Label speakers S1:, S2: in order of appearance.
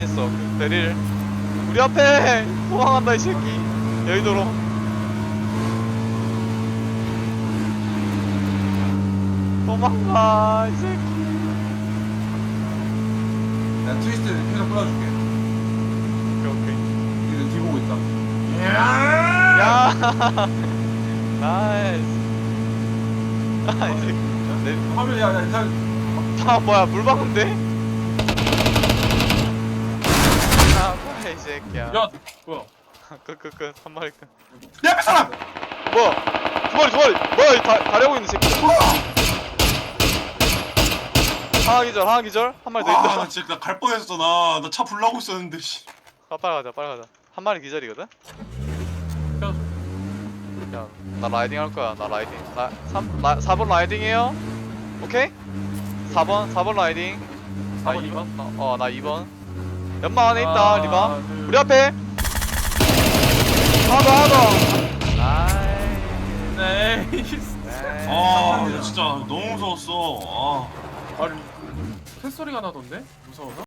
S1: 했어 그 베릴. 우리 앞에 도망간다 이 새끼. 여의도로. 도망가 이 새끼.
S2: 나 트위스트 계속 끌어줄게.
S1: 오케이.
S2: 이거 뒤 보고 있다.
S1: 야. 나이스. 아, 이 새끼. 내
S2: 화면 야
S1: 아 뭐야 물방울인데? 아 뭐야 이 새끼야.
S3: 야 뭐야?
S1: 끝 한 마리 끝.
S2: 내 앞에 사람!
S1: 뭐야? 두 마리 뭐야 이 가려고 있는 새끼. 하나 기절 한 마리 더
S4: 아,
S1: 있다.
S4: 나 진짜 갈 뻔했어. 나 차 불나고 있었는데. 씨.
S1: 빨리 가자. 한 마리 기절이거든?
S3: 펴줘.
S1: 야, 나 라이딩 할 거야. 나 라이딩. 4번 라이딩해요. 오케이? 4번 라이딩.
S3: 4번 2번?
S1: 나 2번. 연막 안에 있다, 리바. 우리 앞에. 하나 더. 아이.
S3: 네.
S4: 아, 나 진짜 너무 무서웠어. 아.
S3: 아니 새 소리가 나던데? 무서워서?